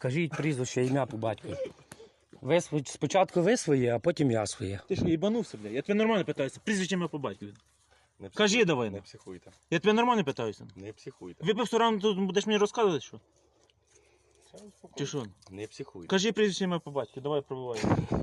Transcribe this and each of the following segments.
Скажіть прізвище, ім'я по батькові. Спочатку ви своє, а потім я своє. Ти що, їбанувся, блядь? Я тебе нормально питаюся. Прізвище ім'я по батькові. Не Кажи давай. Не психуйте. Я тебе нормально питаюся. Не психуйте. Випив 100 рано, тут будеш мені розказувати, що? Чи що? Не психуйте. Кажи прізвище ім'я по батькові, давай пробувай.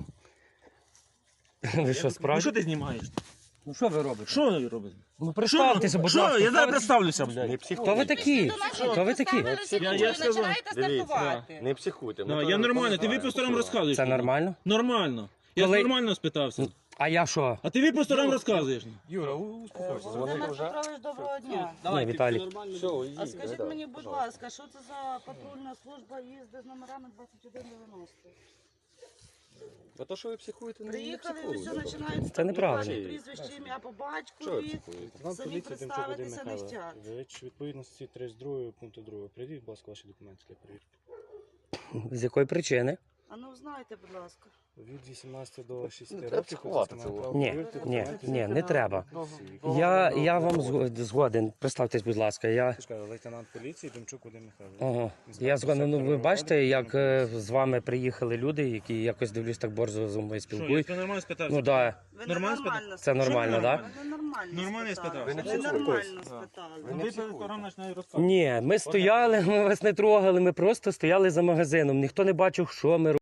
Ви що, Ну справді? що ти знімаєш? Ну що ви робите? Що ви робите? Ну представтеся, будь Що? ласка. Я зараз Хто ви- представлюся, блядь. Не Хто психуйте. ви такі? Хто ви такі? Я сказав. Починаєте Дивіться, стартувати. Не психуйте. Ну, я нормально, ти випив 100 рано розказуєш. Це нормально? Нормально. Я Коли- нормально спитався. А я що? А ти випив 100 рано розказуєш. Юра, успокойся. Володимир Петрович, доброго дня. Ні, Віталій. Все, А скажіть мені, будь ласка, що це за патрульна служба їздить з номерами 2190? А то, що ви психуєте, не Приїхали, і психуйте. все починають Це неправильно. ваше прізвище, ім'я по Що ви батькові. психуєте? Вам Самі поліція Демчук Вадим представитися не Михайлович. хотять. Річ відповідності 32 пункту 2. Прийдіть, будь ласка, ваші документи для перевірки. З якої причини? А ну знаєте, будь ласка. Від 18 до 6 Не років. треба психувати цього. Ні, не треба. Я вам згоден. Представтесь, будь ласка. Я... Лейтенант поліції Демчук Вадим Михайлович. Ага. Я згоден. Ну, ви бачите, як з вами приїхали люди, які якось дивлюсь так борзо зі мною Що, я спілкують. тебе нормально спитався? Ну да. Ви Нормально нормально Це нормально, так? Ви нормально Нормально спитали. спитав. Ви не Ви психуйте. нормально спитали. Випив 100 рано, починає розказувати. Ні, ми стояли, ми вас не трогали, ми просто стояли за магазином. Ніхто не бачив, що ми робимо.